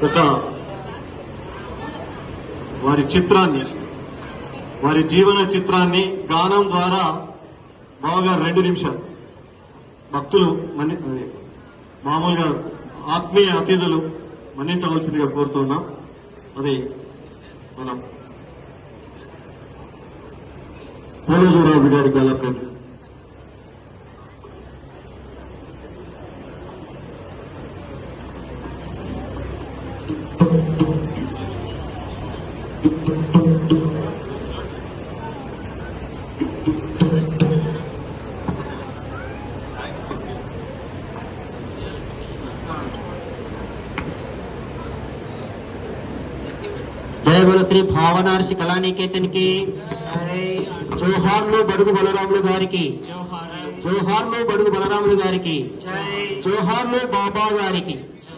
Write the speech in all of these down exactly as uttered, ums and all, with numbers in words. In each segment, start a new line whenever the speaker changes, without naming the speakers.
ఒక వారి చిత్రాన్ని వారి జీవన చిత్రాన్ని గానం ద్వారా బాగా రెండు నిమిషాలు భక్తులు మన్ని మామూలుగా ఆత్మీయ అతిథులు మన్నించవలసిందిగా కోరుతున్నాం. అది మనం పోలజరాజు గారి గలప్రతి
जय बोलो श्री भावनार्षि कला निकेतन की జోహార్లు బడుగు బలరాములు గారికి, జోహార్లు బడుగు బలరాములు గారికి, జోహార్లు బాబా గారికి.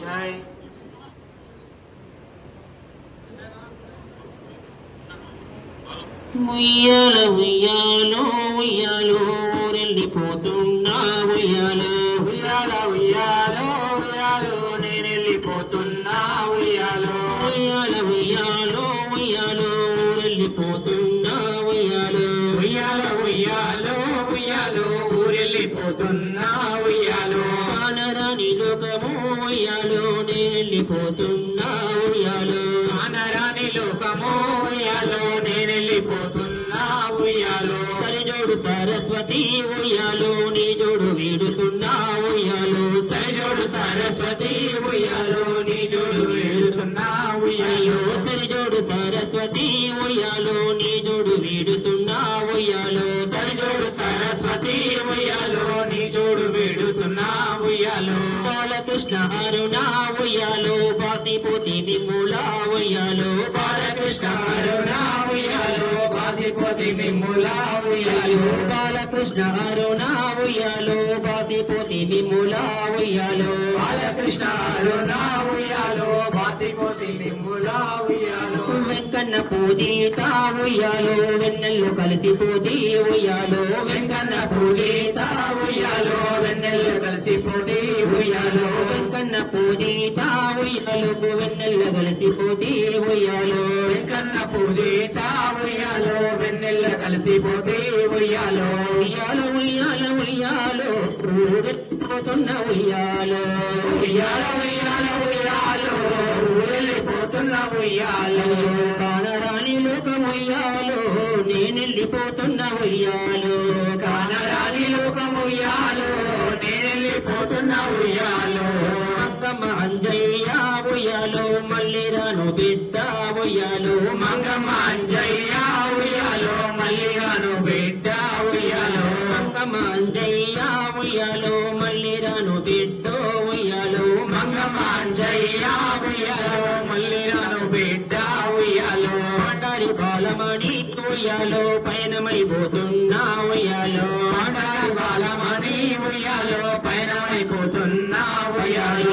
ఉయ్యాల ఉయ్యాలో ఉయ్యాలో ఊరెళ్ళిపోతున్నా ఉయ్యాలో, ఉయ్యాల ఉయ్యాలో ఉయ్యాలో నేనెళ్ళిపోతున్నా ఉయ్యాలో, ఉయ్యాల ఉయ్యాలో ఉయ్యాలో ఊరెళ్ళిపోతున్నా ఉయ్యాలో, ఉయ్యాల ఉయ్యాలో ఉయ్యాలో ఊరెళ్ళిపోతున్నా ఉయ్యాలో, కానరాని లోకము ఉయ్యాలో నేనెళ్ళిపోతున్నా ఉయ్యాలో, కానరాని లోకము ఉయ్యాలో నేనెళ్ళిపోతున్నా ఉయ్యాలో, సరిజోడు సరస్వతి ఉయ్యాలో నీ జోడు వీడుతున్నా ఉయ్యాలో, సరిజోడు సరస్వతి ఉయ్యాలో నీ జోడు వీడుతున్నా ఉయ్యాలో, సరిజోడు సరస్వతి ఉయ్యాలో నీ జోడు వీడుతున్నా ఉయ్యాలో, సరిజోడు సరస్వతి ఉయ్యాలో నీ జోడు వీడుతున్నా ఉయ్యాలో, బాలకృష్ణ అరుణ ఉయ్యాలో బాసిపోతి మిమ్ములా ఉయ్యాలో, బాలకృష్ణ అరుణ ఉయ్యాలో బాసిపోతి మిమ్ములా ఉయ్యాలో, బాలకృష్ణ అరుణ ఉయ్యాలో బాసిపోతి మిమ్ములా ఉయ్యాలో, బాలకృష్ణ అరుణ ఉయ్యాలో బాసిపోతి మిమ్ములా ఉయ్యాలో, వెంకన్న పూజిత ఉయ్యాలో వెన్నెల్లో కలిసిపోతి ఉయ్యాలో, వెంకన్న పూజిత ఉయ్యాలో వెన్నెల్లో కలిసిపోతి ఉయ్యాలో, వెంకన్న పూజిత ఉయ్యాలో వెన్నెల్లో కలిసిపోతి ఉయ్యాలో, వెంకన్న పూజిత ఉయ్యాలో వెన్నెల్లో కలిసిపోతి ఉయ్యాలో, ఉయ్యాలో ఉయ్యాలో ఉయ్యాలో ఊరెళ్ళిపోతున్న ఉయ్యాలో, ఉయ్యాలో ఉయ్యాలో ఉయ్యాలో ఊరెళ్ళిపోతున్న ఉయ్యాలో, కానరాని లోకం ఉయ్యాలో నేనెళ్ళిపోతున్న ఉయ్యాలో, కానరాని లోకం ఉయ్యాలో నేనెళ్ళిపోతున్న ఉయ్యాలో, మంగమ్మ అంజయ్య ఉయ్యాలో మళ్ళీ రాను బిడ్డ ఉయ్యాలో, మంగమ్మ అంజయ్య ఉయ్యాలో మళ్ళీ రాను బిడ్డ ఉయ్యాలో, మంగమ్మ అంజయ్య ఉయ్యాలో మళ్ళీ రాను బిడ్డ ఉయ్యాలో, మంగమ్మ అంజయ్య ఉయ్యాలో మళ్ళీ రాను బిడ్డ ఉయ్యాలో, మాటాడి బాలమణి ఉయ్యాలో పయనమైపోతున్నా ఉయ్యాలో, మాటాడి బాలమణి ఉయ్యాలో పయనమైపోతున్నా ఉయ్యాలో,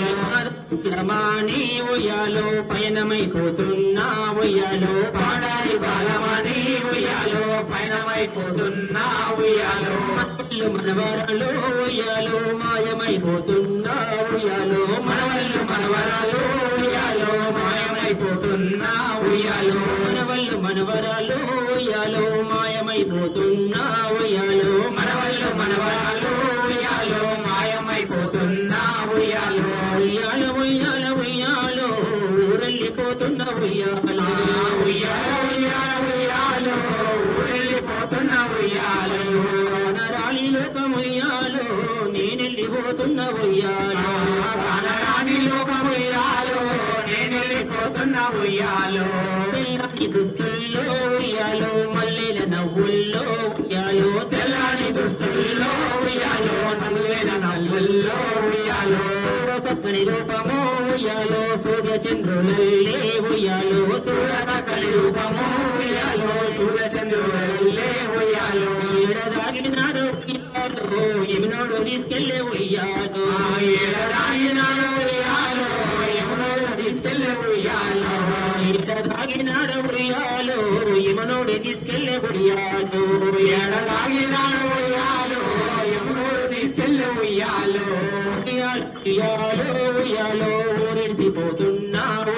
రమాణి ఉయ్యాలో పయనమైపోతున్నా ఉయ్యాలో, మాటాడి బాలమణి ఉయ్యాలో పయనమైపోతున్నా ఉయ్యాలో, మనవళ్ళు మనవరాలు ఉయ్యాలో మాయమైపోతున్నా ఉయ్యాలో, మనవళ్ళు మనవరాలు ఉయ్యాలో మాయమైపోతున్నా ఉయ్యాలో, మనవళ్ళు మనవరాలు ఉయ్యాలో మాయమైపోతున్నా ఉయ్యాలో, మనవళ్ళు మనవరాలు ఉయ్యాలో మాయమైపోతున్నా ఉయ్యాలో, ఉయ్యాలో ఉయ్యాలో ఉయ్యాలో ఊరెళ్ళిపోతున్న ఉయ్యాలో, ఉయ్యాలో ఉయ్యాలో ఉయ్యాలో ఊరెళ్ళిపోతున్న ఉయ్యాలో, కానరాని లోకం ఉయ్యాలో నేనెళ్ళిపోతున్న ఉయ్యాలో, కానరాని లోకం ఉయ్యాలో నేనెళ్ళిపోతున్న ఉయ్యాలో, తెల్లాని దుస్తుల్లో ఉయ్యాలో మల్లెల నవ్వుల్లో ఉయ్యాలో, తెల్లాని దుస్తుల్లో ఉయ్యాలో నవ్వుల నవ్వుల్లో ఉయ్యాలో, చక్కని రూపము ఉయ్యాలో సూర్య చంద్రులల్లే ఉయ్యాలో, సూర్యకలి రూపము ఉయ్యాలో సూర్య చంద్రులల్లే ఉయ్యాలో, ఏడదాగినాడు ఉయ్యాలో యమునోడు తీసుకెళ్ళే ఉయ్యాలో, ఏడదాగినాడు ఉయ్యాలో యమునోడు తీసుకెళ్ళే ఉయ్యాలో, ఏడదాగినాడు ఉయ్యాలో యమునోడు తీసుకెళ్ళే ఉయ్యాలో, ఏడదాగినాడు ఉయ్యాలో యమునోడు తీసుకెళ్ళే ఉయ్యాలో, ఉయ్యాలో ఉయ్యాలో ఊరెడిపోతున్నా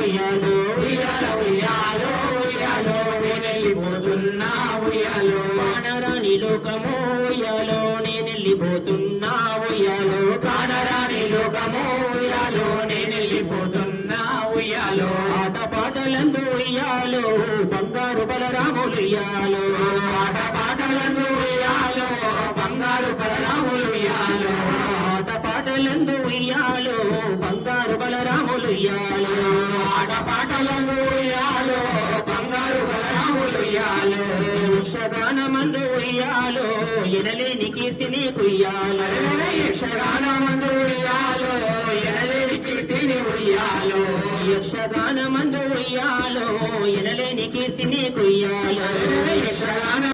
ఉయ్యాలో ఉయ్యాల ఉయ్యాలో ఉయ్యాలో నేనెళ్ళిపోతున్నా ఉయ్యాలో కానరాని లోకము ఉయ్యాలో నేనెళ్ళిపోతున్నా ఉయ్యాలో కానరాని లోకము ఉయ్యాలో నేనెళ్ళిపోతున్నా ఉయ్యాలో ఆట పాటలందు ఉయ్యాలో బంగారు బలరాములు ఉయ్యాలో ఆట పాటలందు ఉయ్యాలో బంగారు బలరాములు ఉయ్యాలో ఆట పాటలందు ఉయ్యాలో బంగారు బలరాములు ఉయ్యాలో ఆట పాటలందు ఉయ్యాలో బంగారు బలరాములు ఉయ్యాలో యక్షగానమందు ఉయ్యాలో ఎనలేని కీర్తిని కుయ్యాలో యక్షగానమందు ఉయ్యాలో ఎనలేని కీర్తిని ఉయ్యాలో యక్షగానమందు ఉయ్యాలో ఎనలేని కీర్తిని కుయ్యాలో యక్షగాన